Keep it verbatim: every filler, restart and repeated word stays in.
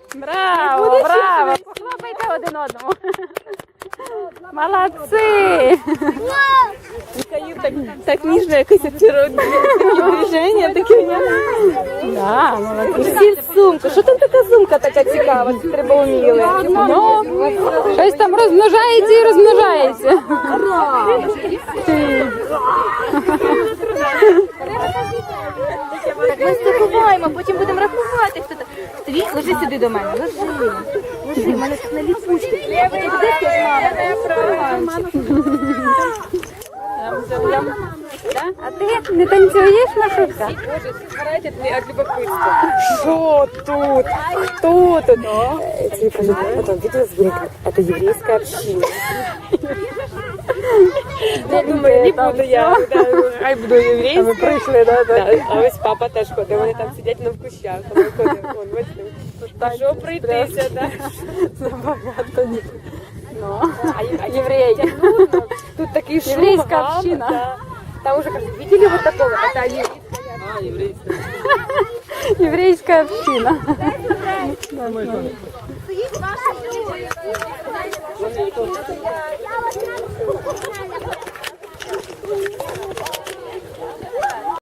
Браво, браво! Похлопайте один одному. Молодці! Так, так ніжно якось очародне движення, таке. Да, молодці. Всі сумку. Що там така сумка така цікава? Це треба вміли. Ну, щось там розмножається і розмножається. Так ми стикуваємо, потім будемо рахувати. Хто там. Тобі ложи сюди до мене. Ложи. Ложи, в мене тут на ліпучки. Ти куди скажеш, мама? А ти не танцюєш, Машутка? Боже, сгорайте от любопытства. Что тут? Кто тут? Тебе кажется, потом видео сбег. Это еврейская община. Я думаю, не буду я. Хай буду єврейською. Ми прийшли, да, Да, а ось папа теж ходить, вони там сидять на кущах. Вони ходять, вон, бачите. Що прийтися, да? Забагато ні. Ну, А, а євреї. ну, тут такий шум, Єврейська гам, община. да. Там уже кажуть, видели вот такого? Это еврейская. А, еврейская. Єврейська община.